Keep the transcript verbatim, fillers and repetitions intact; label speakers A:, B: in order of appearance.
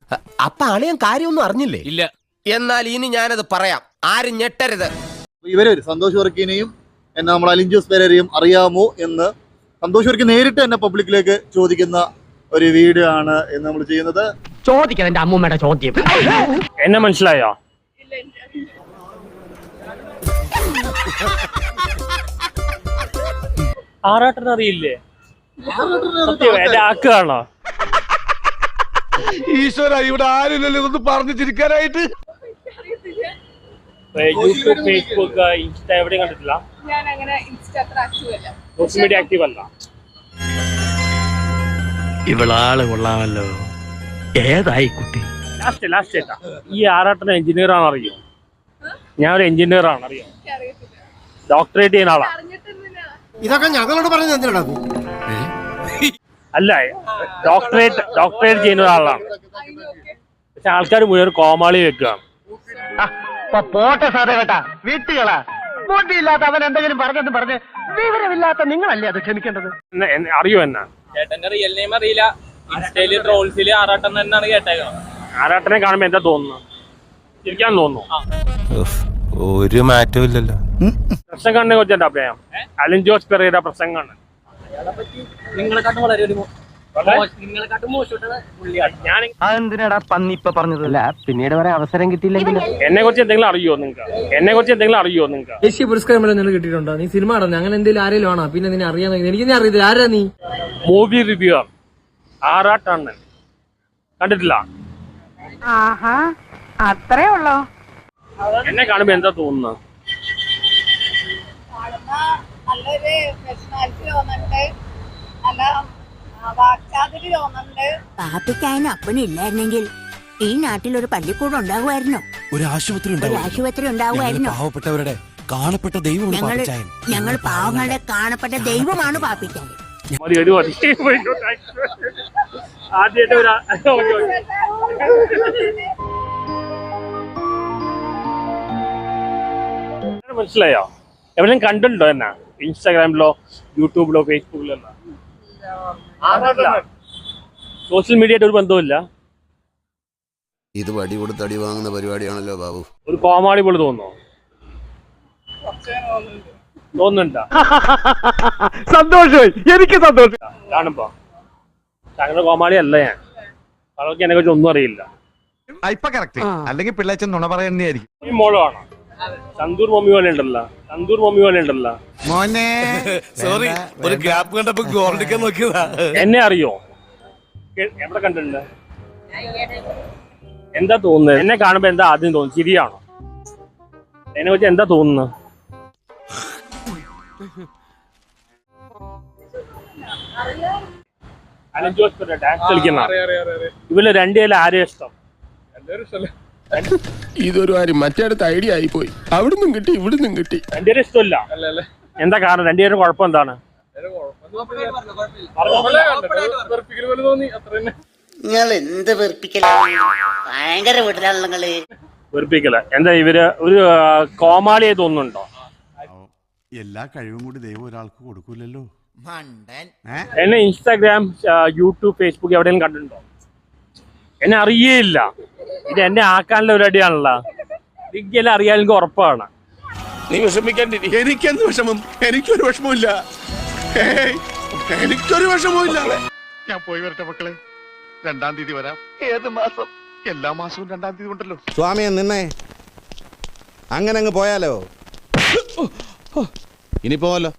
A: അപ്പൊ അളിയൻ കാര്യമൊന്നും അറിഞ്ഞില്ലേ?
B: ഇല്ല.
A: എന്നാൽ ഇനി ഞാനത് പറയാം, ആരും ഞെട്ടരുത്.
C: ഇവര് സന്തോഷ് വർക്കിനെയും എന്നെ നമ്മൾ അലിഞ്ചോസ് പെരേരയും അറിയാമോ എന്ന് സന്തോഷ് വർക്കി നേരിട്ട് എന്നെ പബ്ലിക്കിലേക്ക് ചോദിക്കുന്ന ഒരു വീഡിയോ ആണ് എന്ന് നമ്മൾ ചെയ്യുന്നത്.
D: ചോദിക്കാൻ എന്റെ അമ്മൂമ്മയുടെ ചോദ്യം
E: എന്നെ മനസ്സിലായോ? ആറാട്ടൻ അറിയില്ലേ? എന്റെ ആക്കാണോ?
B: ഈശ്വര, ഇവിടെ ആരില്ലല്ലോ ഇതൊന്ന് പറഞ്ഞു ചിരിക്കാനായിട്ട്.
E: യൂട്യൂബ്, ഫേസ്ബുക്ക്, ഇൻസ്റ്റ എവിടെയും കണ്ടിട്ടില്ല.
F: ഞാൻ അങ്ങനെ ഇൻസ്റ്റ അത്ര ആക്റ്റീവ് അല്ല,
E: സോഷ്യൽ മീഡിയ ആക്റ്റീവ് അല്ല.
D: ഇവളാള് കൊള്ളാമല്ലോ. ഏതായി കുട്ടി?
E: ലാസ്റ്റ് ലാസ്റ്റ് ഏട്ടാ, ഈ ആറാട്ടൻ എഞ്ചിനീയർ ആണ് അറിയോ? ഞാൻ ഒരു എഞ്ചിനീയർ ആണ് അറിയോ?
F: അറിയത്തില്ല.
E: ഡോക്ടറേറ്റ് ചെയ്യുന്ന ആളാ.
F: അറിഞ്ഞിട്ടൊന്നുമില്ല.
A: ഇതൊക്കെ ഞങ്ങളോട് പറഞ്ഞു എന്തിനാ?
E: അല്ല, ഡോക്ടറേറ്റ് ഡോക്ടറേറ്റ് ചെയ്യുന്ന ഒരാളാണ്. പക്ഷെ ആൾക്കാർ മുഴുവൻ കോമാളി വെക്കുകയാണ്.
D: പോട്ടെ സാറേ കേട്ടാ, വീട്ടുകളാ ബോട്ടിയില്ലാത്ത അവൻ എന്തെങ്കിലും പറഞ്ഞെന്ന് പറഞ്ഞ് വിവരമില്ലാത്ത നിങ്ങളല്ലേ അത് ക്ഷമിക്കേണ്ടത്.
E: എന്നെ- എന്നെ- അറിയോ എന്നാ?
G: ചേട്ടന്റെ റിയൽ നെയിം അറിയില്ല. ഇൻസ്റ്റയില് ട്രോൾസില് ആറാട്ടം തന്നെയാണ് കേട്ടേക്കണം.
E: ആറാട്ടനെ കാണുമ്പോ എന്താ തോന്നുന്നു? ചിരിക്കാൻ തോന്നുന്നു.
A: ഒരു മാറ്റവും ഇല്ലല്ലോ.
E: പ്രസംഗനെ കുറിച്ച് എന്താ അഭിപ്രായം? അലിൻ ജോസ് പെരേര പ്രസംഗമാണ്.
G: നിങ്ങളെക്കാട്ടും വളരെ ഒരു നിങ്ങളെക്കാട്ടും മോശമായിട്ടാണ് പുള്ളിയാണ്.
E: ഞാൻ
D: അതെന്തിനാടാ പന്നി ഇപ്പൊ പറഞ്ഞതല്ല, പിന്നീട് വരെ അവസരം കിട്ടിയില്ലെങ്കിൽ
E: എന്നെ കുറിച്ച് എന്തെങ്കിലും അറിയോ നിങ്ങൾക്ക്? എന്നെ കുറിച്ച് എന്തെങ്കിലും അറിയോ നിങ്ങൾക്ക്?
H: ദേശീയ പുരസ്കാരം നിനക്ക് കിട്ടിയിട്ടുണ്ടോ? നീ സിനിമ ആണോ? അങ്ങനെ എന്തെങ്കിലും ആരെങ്കിലും ആണോ? പിന്നെ നിന്നെ അറിയാൻ എനിക്ക് നീ അറിയത്തില്ല. ആരാ നീ?
E: മൂവി റിവ്യൂർ ആറാട്ടണ്ണൻ. കണ്ടിട്ടില്ല?
F: ആഹാ, അത്രേ ഉള്ളോ?
E: എന്നെ കാണുമ്പോ എന്താ തോന്നുന്നത്?
F: നല്ലൊരു പേഴ്സണാലിറ്റി തോന്നുന്നുണ്ട്, നല്ല വാക്ചാതുരി തോന്നുന്നുണ്ട്.
I: പാപ്പിക്കായന് അപ്പനില്ലായിരുന്നെങ്കിൽ ഈ നാട്ടിൽ ഒരു പള്ളിക്കൂടം ഉണ്ടാകുമായിരുന്നോ?
J: ഒരു ആശുപത്രി
I: ഒരു ആശുപത്രി ഉണ്ടാകുമായിരുന്നോ?
J: പാവപ്പെട്ടവരുടെ കാണപ്പെട്ട ദൈവം
I: ഞങ്ങൾ ഞങ്ങൾ പാവങ്ങളുടെ കാണപ്പെട്ട ദൈവമാണ് പാപ്പിക്കാൻ.
E: മതി, ഒരു മതി. ആദ്യമായിട്ട് ഒരു മനസ്സിലായോ? എവിടെയും കണ്ടിട്ടുണ്ടോ എന്നാ? ഇൻസ്റ്റാഗ്രാമിലോ യൂട്യൂബിലോ ഫേസ്ബുക്കിലോ? സോഷ്യൽ മീഡിയയായിട്ട് ഒരു ബന്ധമില്ല.
J: ഇത് വടി കൊടുത്ത് അടി വാങ്ങുന്ന പരിപാടിയാണല്ലോ ബാബു.
E: ഒരു കോമാളി പോലെ തോന്നുന്നു. തോന്നുന്നുണ്ടോ?
D: സന്തോഷമായി, എനിക്ക് സന്തോഷം
E: കാണുമ്പോ. അങ്ങനെ കോമാളി അല്ല ഞാൻ. അവർക്ക് എന്നെ കുറിച്ച് ഒന്നും അറിയില്ല.
B: ഇപ്പൊ കറക്റ്റ്, അല്ലെങ്കിൽ പിള്ളേച്ചൻ നുണ പറയുന്നതായിരിക്കും.
E: ഈ മോളാണോ? സന്തൂർ മമ്മി പോലെ ഉണ്ടല്ലോ. സന്തൂർ മമ്മി പോലെ ഉണ്ടല്ലോ.
B: മോനെ സോറി, ഒരു ഗ്യാപ്പ് കണ്ടപ്പോ ഗോൾഡിക്കാൻ നോക്കിയതാ.
E: എന്നെ അറിയോ? എ- എവിടെ കണ്ടിട്ടുണ്ട്? എന്താ തോന്നുന്നത്? എന്നെ കാണുമ്പോ എന്താ ആദ്യം തോന്നുന്നു? ചിരിയാണോ? എന്നെ വെച്ച് എന്താ തോന്നുന്നത്? അലൻ ജോസ് പെരേര ഡാൻസ് കളിക്കുന്ന ഇവര് രണ്ടുപേരും ആരെയും ഇഷ്ടം?
B: ഇതൊരു കാര്യം മറ്റേടത്ത് ഐഡിയ ആയി പോയി. അവിടുന്നും കിട്ടി ഇവിടുന്നും കിട്ടി.
E: രണ്ടുപേരും ഇഷ്ടമില്ല. എന്താ കാരണം? രണ്ടുപേരും കുഴപ്പം എന്താണ്?
I: നിങ്ങൾ എന്ത് വെറുപ്പിക്കലാണ്? ഭയങ്കര വീട്ടിലാണല്ലോ നിങ്ങള്.
E: വെറുപ്പിക്കല. എന്താ ഇവര് ഒരു കോമാളിയായി തോന്നുന്നുണ്ടോ?
J: എല്ലാ കഴിവും കൂടി ദൈവം ഒരാൾക്ക് കൊടുക്കൂലല്ലോ.
E: എന്നെ ഇൻസ്റ്റാഗ്രാം, യൂട്യൂബ്, ഫേസ്ബുക്ക് എവിടെയെങ്കിലും കണ്ടിട്ടുണ്ടോ? എന്നെ അറിയേയില്ല. ഇത് എന്നെ ആക്കാനുള്ള പരിപാടിയാണല്ലോ. എനിക്കെല്ലാം അറിയാമെങ്കിൽ ഉറപ്പാണ്.
B: നീ വിഷമിക്കാണ്ടിരി. എനിക്കെന്ത് വിഷമം? എനിക്കൊരു വിഷമമില്ല. എനിക്കൊരു വിഷമമില്ല. ഞാൻ പോയി വരട്ടെ മക്കളെ. രണ്ടാം തീയതി വരാം. ഏത് മാസം? എല്ലാ മാസവും രണ്ടാം തീയതി ഉണ്ടല്ലോ.
J: സ്വാമിയെ നിന്നേ, അങ്ങനെ അങ്ങ് പോയാലോ? ഇനി പോവല്ലോ.